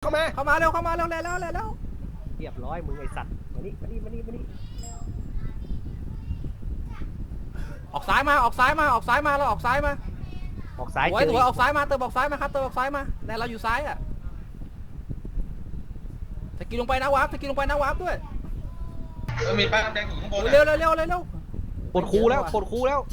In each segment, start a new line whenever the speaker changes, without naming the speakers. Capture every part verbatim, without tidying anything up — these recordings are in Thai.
เข้ามา
เข้ามาเร็วเข้ามาเร็วแล้วแล้วแล้ว
เรียบร้อยมึงไอสัตว์มานี่มานี่มานี่มานี่
ออกซ้ายมาออกซ้ายมาออกซ้ายมาเราออกซ้ายมา
ออกซ้าย
สวยสวยออกซ้ายมาเติมออกซ้ายมาครับเติมออกซ้ายมาแต่เราอยู่ซ้ายอ่ะสกิลลงไปนะวาร์ปสกิลลงไปนะวาร์ปด้วย
มีป้ายแดงอยู่ข้างบน
เร็วเร็วเร็วเร็วเร็ว
ปวดคูแล้วปวดคูแล้ว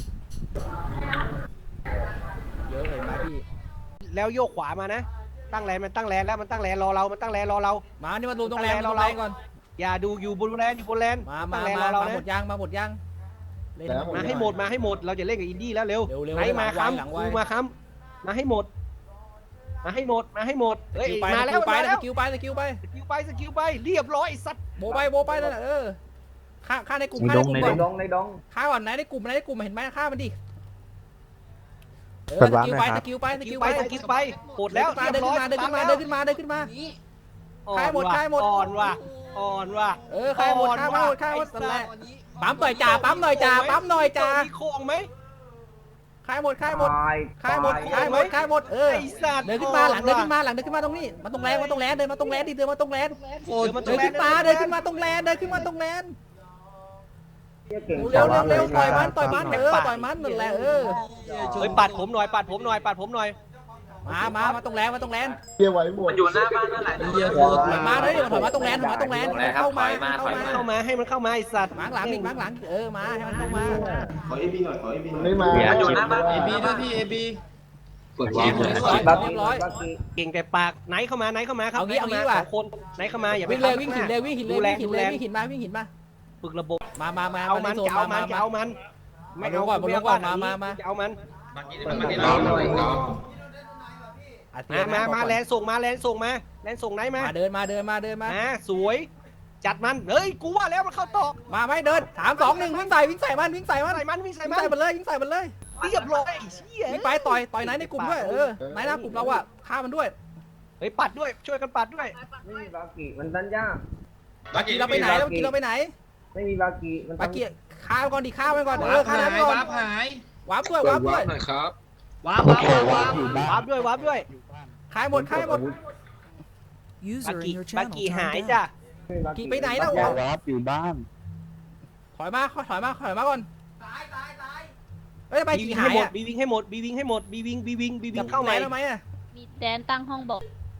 เยอะเลยมาพี่
แล้วโยกขวามานะตั้งแลนมันตั้งแลนแล้วมันตั้งแลนรอเรามันตั้งแลนรอเรา
มานี่มาดูตรงแลนเราเราก่อน
อย่าดูอยู่บนแลนอยู่บนแลน
มามามามาหมดยังมาหมดยัง
มาให้หมดมาให้หมดเราจะเล่นกับอินดี้แล้วเร็วไหนมาค้ำกูมาค้ำมาให้หมดมาให้หมดมาให้หมดเฮ้ยมาแล้ว
ไป
แล้ว
สกิลไปสกิลไป
สกิลไปสกิลไปเรียบร้อยสัตว์
โบไปโบไปนั่นแหละเออฆ่าฆ่าในกลุ่ม
ฆ่าในกลุ่มในดงในดง
ฆ่าก่อนไหนในกลุ่มไหนในกลุ่มเห็นไหมฆ่ามันดิเออสกิลไปสกิลไปสกิลไป
สกิลไปโหดแล้ว
เดินขึ้นมาเดินขึ้นมาเดินขึ้นมาเดินขึ้นมาฆ่าหมดฆ่าหมด
อ่อนว่ะอ่อนว่ะ
เออฆ่าหมดฆ่าหมดฆ่าหมดนั่นแหละปั๊มหน่อยจ่าปั๊มหน่อยจ่าปั๊มหน่อยจ่า
มีโค้งไหม
ฆ่าหมดฆ่าหมดฆ่าหมดฆ่าหมดฆ่าหมดเออเดินขึ้นมาหลังเดินขึ้นมาหลังเดินขึ้นมาตรงนี้มาตรงแลนมาตรงแลนเดินมาตรงแลนดิเดินมาตรงแลนเดินขึ้นมาเดินขึ้นมาตรงแลนเดินขึ้นมาตรงแลนเร็วเร็วเร็วต่อยมันต่อยมันเออต่อยมันนั่นแหละเออ
เฮ้ยปัดผมหน่อยปัดผมหน่อยปัดผมหน่อย
มามามาตรงแลนมาตรงแลน
เกี่ยวไว้หมด
มันอยู่หน้าบ้านนั่นแหละ
เดี๋ยวถอยมาเลยถอยมาตรงแลนถอยมาตรงแลนเข้ามาเข้ามา
เข้ามาให้มันเข้ามาไอสัตว์
มาหลังอีกมาหลังเออมาให้มันเข้ามา
ขอเอบีหน่อยขอเอบี
ไม่มา
มันอยู่หน้าบ้านเอบีด้วยพี่เอบี
เรียบร้อย
เก่งแต่ปากไหนเข้ามาไหนเข้ามาครับ
เอางี้เอางี้ว่ะ
คนไหนเข้ามาอย่าไป
วิ่งเลยวิ่งหินเลยวิ่งหินเลยวิ่งหินเลยวิ่งหินมาวิ่งหินมา
ฝึกระบบ
มามามา
เอามันเอามันเอามัน
ไม่เอาก่อนลงก่อนมามามา
เอามัน
มา
มามาแลนส่งมาแลนส่งมาแลนส่งไหนมา
เดินมาเดินมาเดินมา
สวยจัดมันเฮ้ยกูว่าแล้วมันเข้าตอก
มาไม่เดินสามสองหนึ่งวิ่งใส่วิ่งใส่มันวิ่งใส่มัน
ใส่มันวิ่งใส่
มันใส่มันเลยวิ่งใส่มันเลย
เรียบร้อย
วิ่งไปต่อยต่อยไหนในกลุ่มด้วยเออไหนหน้ากลุ่มเราอะฆ่ามันด้วย
เฮ้ยปัดด้วยช่วยกันปัดด้วย
ไม่มีบากิมันตันยาก
บากิเราไปไหนเรากินเราไปไหน
ไม่มีบากิมัน
บากิฆ่าก่อนดิฆ่ามันก่อนเออฆ่ามันก่อน
วาร์ปหายว
าร์ปด้วยวาร์ปด้วย
หน่อยครับ
วาร์ปวาร์ปวาร์ปวาร์ปด้วยวาร์ปด้วย
ฆ่าหมดฆ่าหมด
บากิบากิหายจ้ะ
กิไปไหนแล้ว
วาร์ปอยู่บ้าน
ถอยมาถอยมาถอยมาก่อนตายตายตายเฮ้ยไปกี่หายอ่ะ
บีวิงให้หมดบีวิงให้หมดบีวิงบีวิงบีวิงเข้าไหม
ทำไมอ่ะ
มีแดนตั้งห้องบอก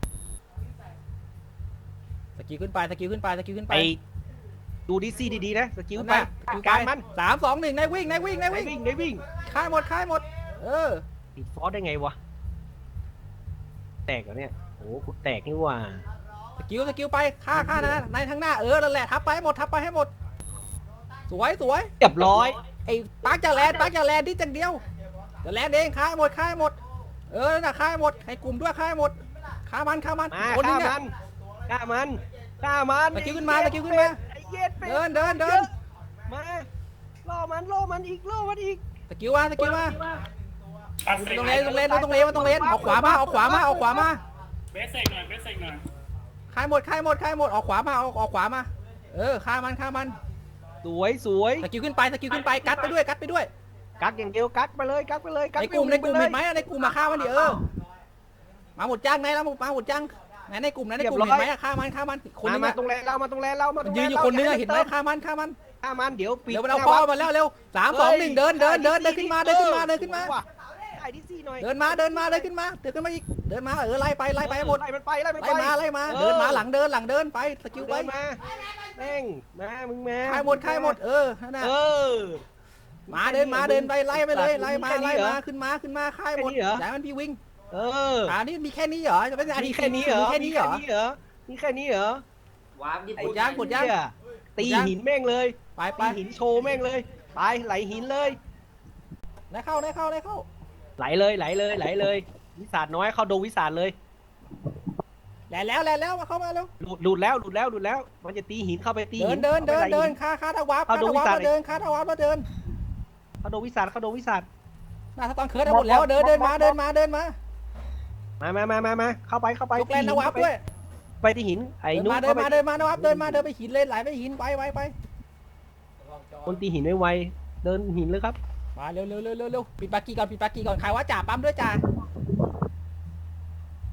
สกิลขึ้นไปสกิลขึ้นไปสกิลขึ้นไป
ดูดิซี่ดีๆนะสกิลไปการมัน
สามสองหนึ่งนายวิ่งนายวิ่งนายวิ่ง
นายวิ่ง
ค่ายหมดค่ายหมดเออ
ติดฟอสได้ไงวะแตกเหรอเนี่ยโอ้กูแตกนี่ว่า
สกิลสกิลไปฆ่าฆ่านะในทางหน้าเออนั่นแหละทับไปให้หมดทับไปให้หมดสวยสวย
เรียบร้อย
ไอ้ปักจะแลนปักจะแลนดิจังเดียวจะแลนเองฆ่าหมดฆ่าหมดเออน่ะฆ่าหมดให้กลุ่มด้วยฆ่าหมดฆ่ามันฆ่ามัน
คนนี้เนี่ยฆ่ามันฆ่ามัน
สกิลขึ้นมาสกิลขึ้นมาเดินเดินเดิน
มาล่อมันล่อมันอีกล่อมันอีก
สกิลมาสกิลมาตรงเลนตรงเลนตรงเลนมาตรงเลนออกขวามาออกขวามาออกขวามา
เบสเซกหน่อยเบสเซกหน่อย
ฆ่าหมดฆ่าหมดฆ่าหมดออกขวามาออกออกขวามาเออฆ่ามันฆ่ามัน
สวยสวย
สกิลขึ้นไปสกิลขึ้นไปกัดไปด้วยกัดไปด้วย
กักอย่างเดียวกักไปเลยกักไปเลย
ในกลุ่มในกลุ่มเห็นไหมในกลุ่มมาฆ่ามันดิเออมาหมดจังไหนแล้วมาหมดจังไหนในกลุ่มไหนในกลุ่มเห็นไหมฆ่ามันฆ่ามันคนนึง
มาตรงแลนเรามาตรงแลนเรามา
ยืนอยู่คนนึงเห็นไหมฆ่ามันฆ่ามัน
ฆ่ามันเดี๋ยวปี
เดี๋ยวเราคอมาแล้วเร็วสามสองหนึ่งเดินเดินเดินเดินขึ้นมาเดินขึ้นมาเดินขึ้นมาเดินมาเดินมาเดินขึ้นมาเดินขึ้นมาอีกเดินมาเออไล่ไปไล่ไปหมด
ไล่มันไปไล่มันไป
ไล่มาไล่มาเดินมาหลังเดินหลังเดินไปสกิลไป
มาแม่งมามึงมา
ฆ่าหมดฆ่าหมดเออนั่น
เออ
มาเดินมาเดินไปไล่ไปเลยไล่มาไล่มาขึ้นมาขึ้นมาฆ่าหมดอย่ามันพี่วิ่ง
เออ
อ่านี่มีแค่นี้เหรอจะเป็น
มีแค่นี้เหรอ
แค่นี้เหรอ
มีแค่นี้เหรอ
วาร์ปญี่
ปุ่นย่างปุ่นย่าง
ตีหินแม่งเลย
ไปไป
หินโชว์แม่งเลยไปไหลหินเลย
ได้เข้าได้เข้าได้เข้า
ไหลเลยไหลเลยไหลเลยวิสาดน้อยเข้าดงวิสาดเลย
แหล่แล้วแหล่แล้วมาเข้ามาแล้ว
หลุดหลุดแล้วหลุดแล้วหลุดแล้วมันจะตีหินเข้าไปตีหิน
เดินเดินเดินคาคาทวารคาทวารมาเดินคาทวารมาเดิน
เข้าดงวิสาดเข้าดงวิสาด
น่าถ้าตอนเคิร์ดหมดแล้วเดินเดินมาเดินมาเดินมา
มามามามามาเข้าไปเข้าไป
ยกแลนนวับด้วย
ไปที่หินไอ้นุ๊ก
เดินมาเดินมานวับเดินมาเดินไปหินเลยไหลไปหินไปไปไป
คนตีหินไวไวเดินหินเลยครับ
มาเร็วเร็วเร็วเร็วปิดปากกี้ก่อนปิดปากกี้ก่อนใครว่าจ่าปั๊มด้วยจ่า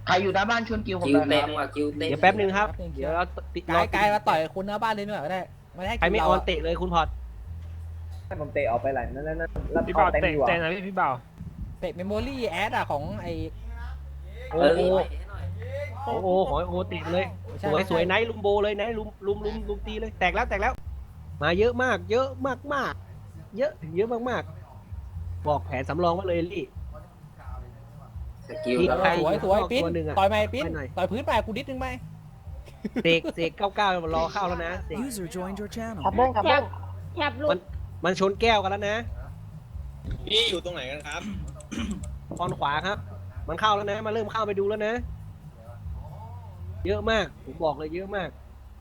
ใครอยู่หน้าบ้านชวนกิวผม
คิวเต็มว่ะคิวเต็ม
เดี๋ยวแป๊บนึงครับเดี๋ยวเราติด
กายกายมาต่อยคนหน้าบ้านเลยหน่อยก็ได้ไม่ให้
ใครไม่ออนเตะเลยคุณพอด
ให้ผมเตะออกไปหลายนั่นนั่นแล้ว
พี่
พอ
บ่าว
เต็ม
เตะ
อยู่อ่ะ
เตะนะพี่พี่บ่าว
เตะเมมโมรี่แอดอะของไอ
โอ้
เออ
โห
ให้หน่อย
โอ้โหขอโอ้ติดเลย สวยสวยไนท์ลุมโบเลยไนท์ลุมลุมลุมลุมตีเลยแตกแล้วแตกแล้ว มาเยอะมากเยอะมากมากเยอะเยอะมากมากบอกแผนสำรองไว้เลยลี่
สกิล
พี่
แล้ว
ใคร
สวยสวยปิ้น
ตัวหนึ่งอะ
ต่อยไหมปิ้น
ไปหน่อย
ต่อยพื้นไปกูดิดนึงไหม
เสกเสกเก้าเก้ารอเข้าแล้วนะเสก
User joined your channel.
ขับเบิ้งขับเบิ้งแคบลูก
มันชนแก้วกันแล้วนะ
พี่อยู่ตรงไหนกันครับ
ตอนขวาครับ มันเข้าแล้วนะมาเริ่มเข้าไปดูแล้วนะ เยอะมากผมบอกเลยเยอะมาก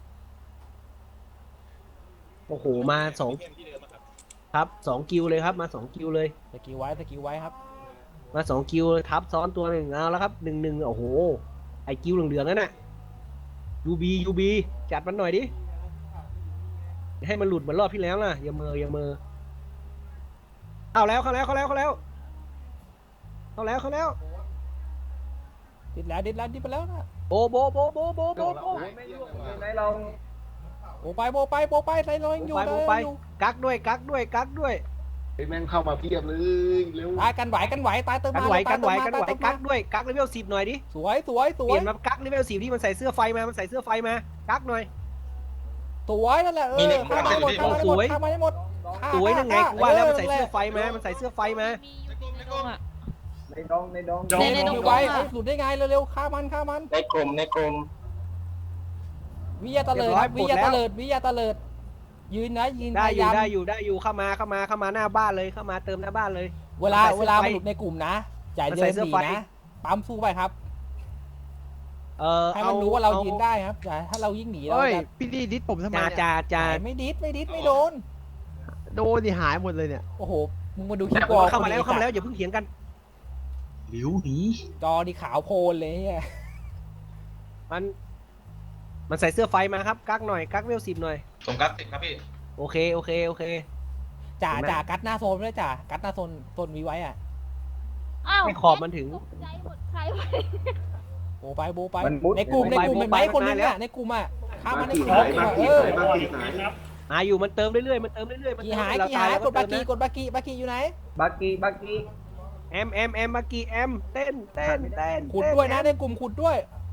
โอ้โหมาสองครับสองกิวเลยครับ มาสองกิวเลย
สกิลไว้สกิลไว้ครับ
มาสองกิวเลยทับซ้อนตัวหนึ่งเอาแล้วครับหนึ่งหนึ่งโอ้โหไอกิวเหลืองๆนั่นน่ะยูบียูบีจัดมันหน่อยดิให้มันหลุดเหมือนรอบที่แล้วนะอย่าเมออย่าเมอเข้าแล้วเข้าแล้วเข้าแล้วเข้าแล้วเข้าแล้วเข้าแล้ว
ดิดแล้วดิดแล้วดิดไปแล้วนะ
โบโบโบโบโบโบโบ
ไหนเรา
โบไปโบไปโบไปใส่รอยอยู่
ไป
เล
โบ
ย
ไป
อยู่
กักด้วยกักด้วยกักด้วย
แม่งเข้ามาเพียบเลยเร็ว
ตายกันไหวกันไหวตายเติม
กัน
มา
ไหว
ตา
กั
ย
น
เติ
ไหว
มมา
กันไหว
ตายเติม
กั
มาก
ด้วยกักเลเวลสิบหน่อยดิ
สวยสวยส
เป
วย
ลี่ยนมากักเลเวลสิบที่มันใส่เสื้อไฟมามันใส่เสื้อไฟมากักหน่อย
สวยนั่นแหละเออข้ามมาให้หมดข้ามมาให้หมดข้ามมาให้หมดฆ่า
สวยนั่นไง
ฆ่
กูว่าแล้วมันใส่
แห
เสื้อ
ละ
ไฟมามันใส่เสื้อไฟมา
ในดองในดอง
เนนไว้เอ้ยหลุดได้ไงเร็วๆฆ่ามันฆ่ามัน
ในกลุ่มในกลุ่ม
วิยาตะเลิดครับวิยาตะเลิดวิยาตะเลิดยืนนะยืน
ได้
พ
อย
า
ยู่
ยาม
ได้อยู่ได้อยู่เข้ามาเข้ามาเข้ามาหน้าบ้านเลยเข้ามาเติมหน้าบ้านเลย
เวลา
มันใส่เสื้
เว
อ
ลา
ไฟ
มันหลุดในกลุ่มนะอย่า
มัน
เดิ
ใส่
น
เสื้อ
หนี
ไฟ
นะปั๊มสู้ไปครับ
เออ
ให้มันรู้ว่าเรายืนได้ครับอย่าถ้าเรายิ่งหนีเรา
เฮ้ย
จะ
พี่ดีดิสผมทำไม
จ่า
เนี่ย
จ่าจ่า
ไม่ดิดไม่ดิดไม่โดน
โดนดิหายหมดเลยเนี่ย
โอ้โหมึงมาดูคลิป
แต่
วอล
เข้ามาแล้ว
คน
เข้ามา
นี้
แล้วอย่าเพิ่งเถียงกันหลิวหนี
จอดีขาวโพลนเลยเนี่ย
มัน มันใส่เสื้อไฟมาครับกักหน่อยกักเวลสิบหน่อย
ผมกักติดครับพี่
โอเคโอเคโอเค
จ่า
เห็นไหม
จ่ากัดหน้าโซนด้วยจ่ากัดหน้าโซนโซนวีไว้อ่ะ
อ้าว
ให้ขอบมันถึง
ตกใจหมดใครวะ
โบไปโบไป
มันมุด
ในกลุ่มในกลุ่ม
โบ
เป็น
ไป
ไหม
โบไป
คนนึง
แล้ว
อ่ะในกลุ่มอ่ะข้ามมาในกลุ่มอ่ะเออ
มาอยู่มันเติมเรื่อยๆมันเติมเรื่อยๆมัน
กี่
เติม
หาย
เร
กี่หาย
แล้ว
กดบากี
เติมนะ
กดบากีบากีอยู่ไหน
บากีบากี
แอมแอมแอมมากี่แอมเต้นเต้นเต้น
ขุดด้วยนะในกลุ่มขุดด้วย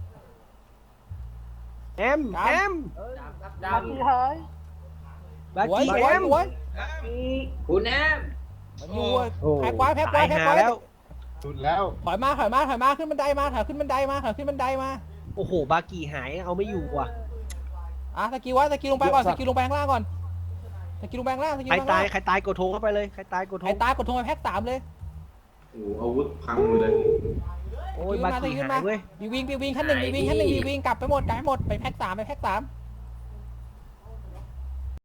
แอมแอม
ด
บางทีเฮ้ย
บา
สวย
กี่
ส
แอ
วย
ม
สวย
ำคุณแอม
มันอยู่อะแพ็กไว้แพ็กไว้
ตาย
แพ็ก
หา
ไว้
แล้ว
สุดแล้ว
ถอยมาถอยมาถอยมาขึ้นบันไดมาถอยขึ้นบันไดมาถอยขึ้นบันไดมา
โอ้โหบากี่หายเอาไม่อยู่ว่ะ
อ่ะสกิลไว้สกิลลงไปก่อนสกิลลงไปข้างล่างก่อนสกิลลงไปข้างล่างสกิล
ใคร
ลงไป
ตา
ข้าง
ย
ล่าง
ใครตายกดโทรเข้าไปเลยใครตายกดโทร
ไอ้ตายกดโทรไปแพ็กสามเลย
โอ้อาวุธพังหมดเลย
โอ้ยบากี่หายเว้ย
บีวิงบีวิงขั้นหนึ่งบีวิงขั้นหนึ่งบีวิงกลับไปหมดกลับไปหมดไปแพ็กสามไปแพ็กสาม